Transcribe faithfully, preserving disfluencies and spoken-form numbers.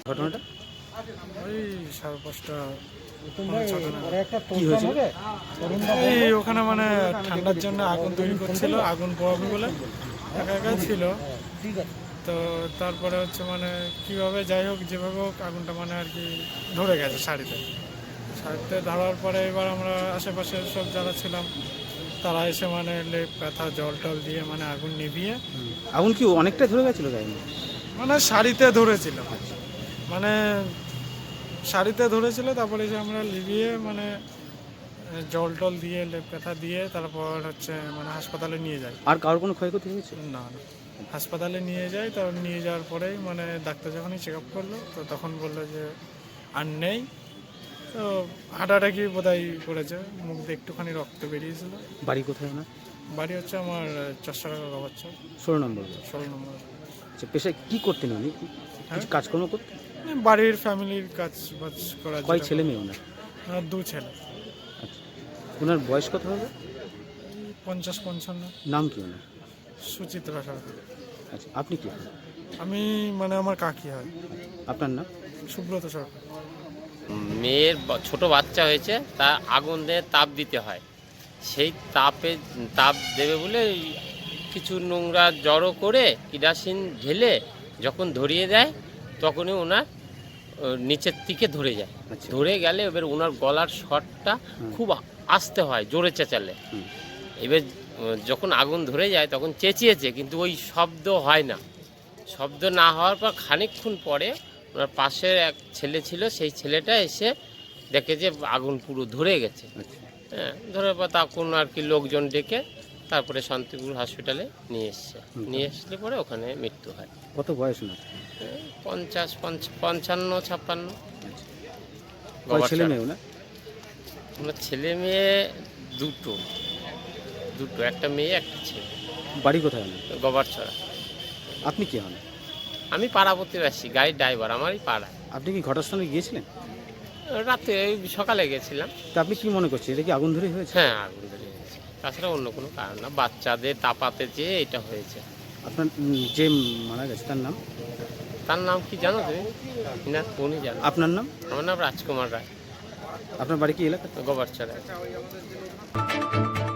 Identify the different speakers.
Speaker 1: ঘটনাটা
Speaker 2: ওই সাড়ে পাঁচটা
Speaker 1: কি হয়েছিল?
Speaker 2: এই ওখানে মানে ঠান্ডার জন্য আগুন তৈরি করছিল, আগুন পোহাবে বলে একা একা ছিল। তো তারপরে হচ্ছে মানে কীভাবে যাই হোক যেভাবে হোক আগুনটা মানে আর কি ধরে গেছে শাড়িতে। শাড়িতে ধরার পরে এবার আমরা আশেপাশে সব যারা ছিলাম তারা এসে মানে লেপ ব্যথা জল টল দিয়ে মানে আগুন নিভিয়ে,
Speaker 1: আগুন কি অনেকটা ধরে গেছিল গায়ে?
Speaker 2: মানে শাড়িতে ধরেছিল, মানে শাড়িতে ধরেছিল। তারপরে যে আমরা লিভিয়ে মানে জল টল দিয়ে লেপ ব্যথা দিয়ে তারপর হচ্ছে মানে হাসপাতালে নিয়ে যাই।
Speaker 1: আর কারোর কোনো ক্ষয়ক্ষতি হয়েছে?
Speaker 2: না না, হাসপাতালে নিয়ে যাই। তারপর নিয়ে যাওয়ার পরেই মানে ডাক্তার যখনই চেক আপ করলো তো তখন বললো যে আর নেই। তো হাঁটাহাঁটি বোধহয় করেছে, মুখ দিয়ে একটুখানি রক্ত বেরিয়েছিল।
Speaker 1: বাড়ি কোথায় না?
Speaker 2: বাড়ি হচ্ছে আমার চশারা বাচ্চা
Speaker 1: ষোলো নম্বর।
Speaker 2: ষোলো নম্বর।
Speaker 1: আচ্ছা, পেশায় কী করতেন উনি? কিছু কাজকর্ম করতেন?
Speaker 2: বাড়ির ফ্যামিলির কাজ বাজ করা।
Speaker 1: কয় ছেলে মেয়ে ওনার?
Speaker 2: আর দু ছেলে।
Speaker 1: আচ্ছা, ওনার বয়স কত হবে?
Speaker 2: পঞ্চাশ পঞ্চান্ন।
Speaker 1: নাম কি ওনার?
Speaker 2: সুচিত্রা সরকার।
Speaker 1: আচ্ছা, আপনি কি হন?
Speaker 2: আমি মানে আমার কাকি হয়।
Speaker 1: আপনার নাম?
Speaker 2: সুব্রত সরকার।
Speaker 3: মেয়ের ছোট বাচ্চা হয়েছে, তা আগুন দিয়ে তাপ দিতে হয়। সেই তাপে তাপ দেবে বলে কিছু নোংরা জড়ো করে কিরাসিন ঢেলে যখন ধরিয়ে দেয় তখনই ওনার নিচের দিকে ধরে যায়। ধরে গেলে এবার ওনার গলার শটটা খুব আস্তে হয়, জোরে চেঁচালে। এবার যখন আগুন ধরে যায় তখন চেঁচিয়েছে, কিন্তু ওই শব্দ হয় না। শব্দ না হওয়ার পর খানিকক্ষণ পরে ওনার পাশের এক ছেলে ছিল, সেই ছেলেটা এসে দেখে যে আগুন পুরো ধরে গেছে। হ্যাঁ, ধরে পর তখন আর কি লোকজন ডেকে তারপরে শান্তিপুর হসপিটালে নিয়ে এসছে। নিয়ে আসলে পরে ওখানে মৃত্যু হয়।
Speaker 1: কত বয়স না?
Speaker 3: পঞ্চাশ পঞ্চান্ন ছাপ্পান্ন।
Speaker 1: ছেলে মেয়ে ওনার?
Speaker 3: ওনার ছেলে মেয়ে দুটো দুটো একটা মেয়ে একটা ছেলে।
Speaker 1: বাড়ি কোথায় ওনার?
Speaker 3: গোবরছড়া।
Speaker 1: আপনি কি হন?
Speaker 3: আমি পাড়া প্রতিবাসী, গাড়ির ড্রাইভার, আমারই পাড়া।
Speaker 1: আপনি কি ঘটনাস্থলে গিয়েছিলেন?
Speaker 3: রাতে ওই সকালে গেছিলাম।
Speaker 1: তা আপনি কি মনে করছেন, এটা কি আগুন ধরে হয়েছে?
Speaker 3: হ্যাঁ, আগুন ধরে হয়েছে, তাছাড়া অন্য কোনো কারণ না। বাচ্চাদের তাপাতে যেয়ে এটা হয়েছে।
Speaker 1: আপনার যে মারা গেছে তার নাম?
Speaker 3: তার নাম কি জানো তুমি? না, উনি জানো।
Speaker 1: আপনার নাম?
Speaker 3: আমার নাম রাজকুমার রায়।
Speaker 1: আপনার বাড়ি কি এলাকা?
Speaker 3: গোবরছড়া।